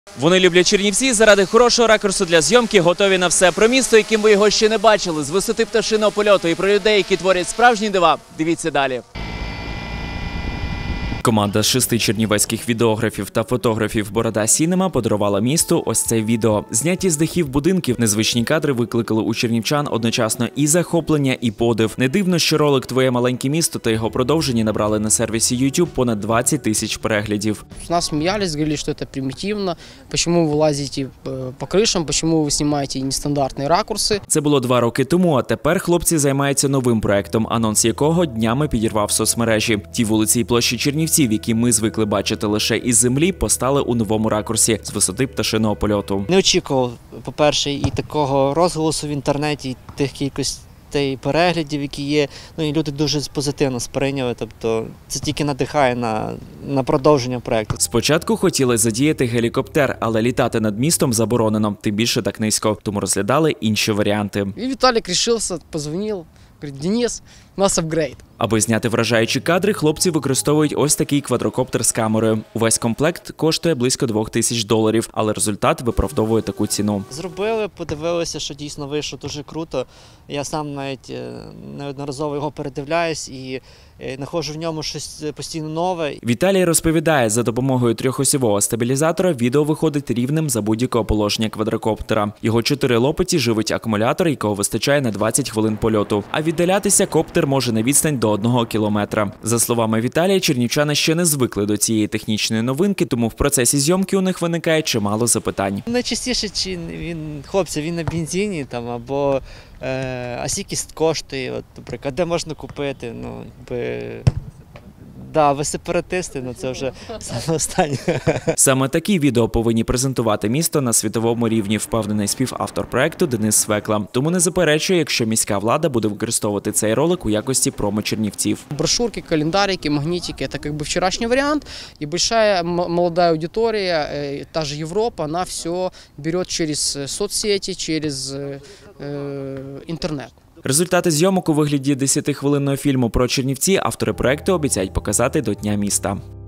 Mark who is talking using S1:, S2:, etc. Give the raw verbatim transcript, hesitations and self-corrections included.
S1: Вони люблять Чернівці і заради хорошого ракурсу для зйомки готові на все. Про місто, яким ви його ще не бачили, з висоти пташиного польоту і про людей, які творять справжні дива, дивіться далі. Команда з шести чернівецьких відеографів та фотографів «Борода Сінема» подарувала місту ось це відео. Зняті з дахів будинків, незвичні кадри викликали у чернівчан одночасно і захоплення, і подив. Не дивно, що ролик «Твоє маленьке місто» та його продовження набрали на сервісі YouTube понад двадцять тисяч переглядів.
S2: З нас сміялись, говорили, що це примітивно, чому ви лазите по кришам, чому ви знімаєте нестандартні ракурси.
S1: Це було два роки тому, а тепер хлопці займаються новим проектом, анонс якого днями підірвав соцмережі. Ті вулиці і площі Чернівців, які ми звикли бачити лише із землі, постали у новому ракурсі з висоти пташиного польоту.
S3: Не очікував, по-перше, і такого розголосу в інтернеті, і тих кількостей переглядів, які є. Ну і люди дуже позитивно сприйняли, тобто це тільки надихає на, на продовження проєкту.
S1: Спочатку хотіли задіяти гелікоптер, але літати над містом заборонено, тим більше так низько, тому розглядали інші варіанти.
S2: І Віталік вирішився, подзвонив, говорить: Денис, у нас апгрейд.
S1: Аби зняти вражаючі кадри, хлопці використовують ось такий квадрокоптер з камерою. Увесь комплект коштує близько двох тисяч доларів, але результат виправдовує таку ціну.
S3: Зробили, подивилися, що дійсно вийшло дуже круто. Я сам навіть неодноразово його передивляюсь і знаходжу в ньому щось постійно нове.
S1: Віталій розповідає, за допомогою трьохосьового стабілізатора відео виходить рівним за будь-якого положення квадрокоптера. Його чотири лопаті живить акумулятор, якого вистачає на двадцять хвилин польоту. А віддалятися коптер може на відстань до одного кілометра. За словами Віталія, чернівчани ще не звикли до цієї технічної новинки, тому в процесі зйомки у них виникає чимало запитань.
S3: Найчастіше, чи він, хлопці, він на бензині там, або е, а скільки коштує, от, наприклад, де можна купити, ну, якби... Да, ви сепаратисти, ну це вже саме останнє.
S1: Саме такі відео повинні презентувати місто на світовому рівні, впевнений співавтор проекту Денис Свекла. Тому не заперечує, якщо міська влада буде використовувати цей ролик у якості промо-чернівців.
S2: Брошюрки, календарики, магнитики – это как бы вчерашний вариант. И большая молодая аудитория, та же Европа, она все берет через соцсети, через э, интернет.
S1: Результати зйомок у вигляді десятихвилинного фільму про Чернівці автори проекту обіцяють показати до Дня міста.